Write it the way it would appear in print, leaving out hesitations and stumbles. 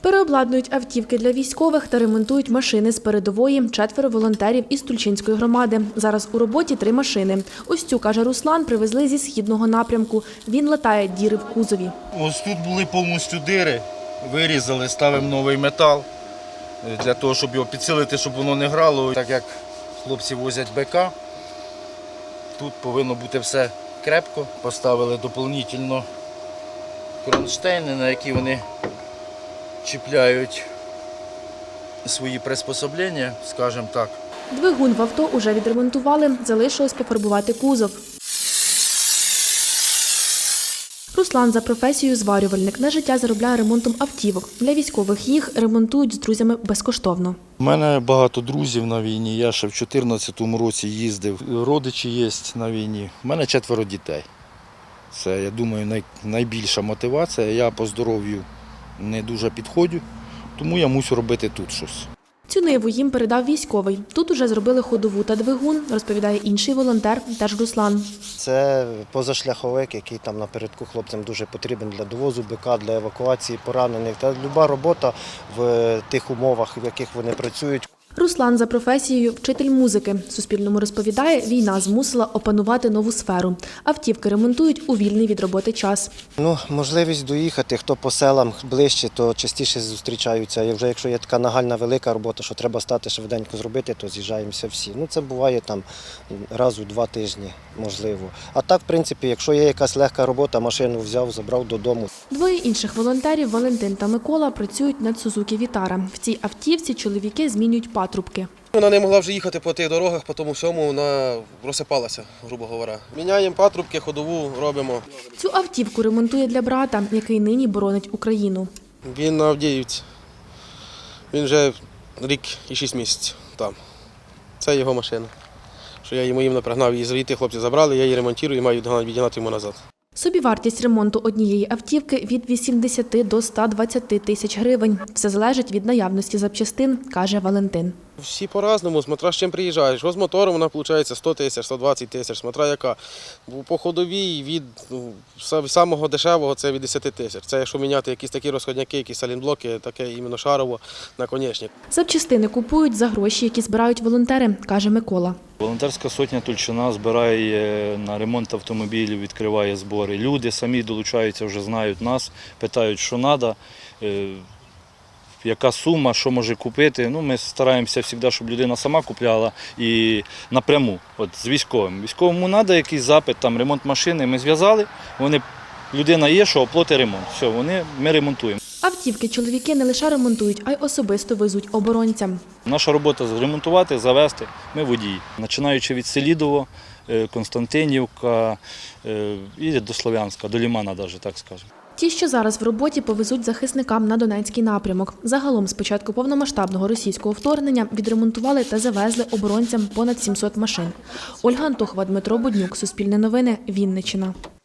Переобладнують автівки для військових та ремонтують машини з передової. 4 волонтерів із Тульчинської громади. Зараз у роботі 3 машини. Ось цю, каже Руслан, привезли зі східного напрямку. Він латає діри в кузові. Ось тут були повністю дири, вирізали, ставимо новий метал, для того, щоб його підсилити, щоб воно не грало. Так як хлопці возять БК, тут повинно бути все крепко. Поставили доповнительно кронштейни, на які вони чіпляють свої приспособлення, скажімо так. Двигун в авто уже відремонтували, залишилось пофарбувати кузов. Руслан за професією зварювальник. На життя заробляє ремонтом автівок. Для військових їх ремонтують з друзями безкоштовно. У мене багато друзів на війні, я ще в 2014 році їздив. Родичі є на війні. У мене 4 дітей. Це, я думаю, найбільша мотивація. Я по здоров'ю не дуже підходжу, тому я мушу робити тут щось. Цю ниву їм передав військовий. Тут уже зробили ходову та двигун, розповідає інший волонтер, теж Руслан. Це позашляховик, який там напередку хлопцям дуже потрібен для довозу БК, для евакуації поранених. Та люба робота в тих умовах, в яких вони працюють. Руслан за професією вчитель музики. Суспільному розповідає, війна змусила опанувати нову сферу. Автівки ремонтують у вільний від роботи час. Можливість доїхати, хто по селам ближче, то частіше зустрічаються. І вже якщо є така нагальна велика робота, що треба стати швиденько зробити, то з'їжджаємося всі. Це буває там раз у 2 тижні, можливо. А так, в принципі, якщо є якась легка робота, машину взяв, забрав додому. 2 інших волонтерів, Валентин та Микола, працюють над Сузукі Вітара. В цій автівці чоловіки змінюють патрубки. Вона не могла вже їхати по тих дорогах, по тому всьому вона розсипалася, грубо говоря. Міняємо патрубки, ходову робимо. Цю автівку ремонтує для брата, який нині боронить Україну. Він на Авдіївці. Він вже рік і 6 місяців там. Це його машина. Що я йому напрягнав її звідти, хлопці забрали, я її ремонтую і маю відігнати йому назад. Собівартість ремонту однієї автівки від 80 до 120 тисяч гривень. Все залежить від наявності запчастин, каже Валентин. Всі по-разному, смотря з чим приїжджаєш. Ось з мотором вона виходить 100 тисяч, 120 тисяч, смотря яка. По ходовій від самого дешевого це від 10 тисяч. Це якщо міняти якісь такі розходняки, якісь салінблоки, таке іменно шарово, наконечник. Запчастини купують за гроші, які збирають волонтери, каже Микола. Волонтерська сотня Тульчина збирає на ремонт автомобілів, відкриває збори. Люди самі долучаються, вже знають нас, питають, що треба, яка сума, що може купити. Ми стараємося завжди, щоб людина сама купляла і напряму, з військовим. Військовому треба якийсь запит, там ремонт машини, ми зв'язали, людина є, що оплати ремонт. Все, ми ремонтуємо. Автівки чоловіки не лише ремонтують, а й особисто везуть оборонцям. Наша робота – ремонтувати, завести. Ми водії. Починаючи від Селідово, Константинівка і до Слов'янська, до Лимана навіть, так скажемо. Ті, що зараз в роботі, повезуть захисникам на Донецький напрямок. Загалом з початку повномасштабного російського вторгнення відремонтували та завезли оборонцям понад 700 машин. Ольга Антохова, Дмитро Буднюк, Суспільне новини, Вінниччина.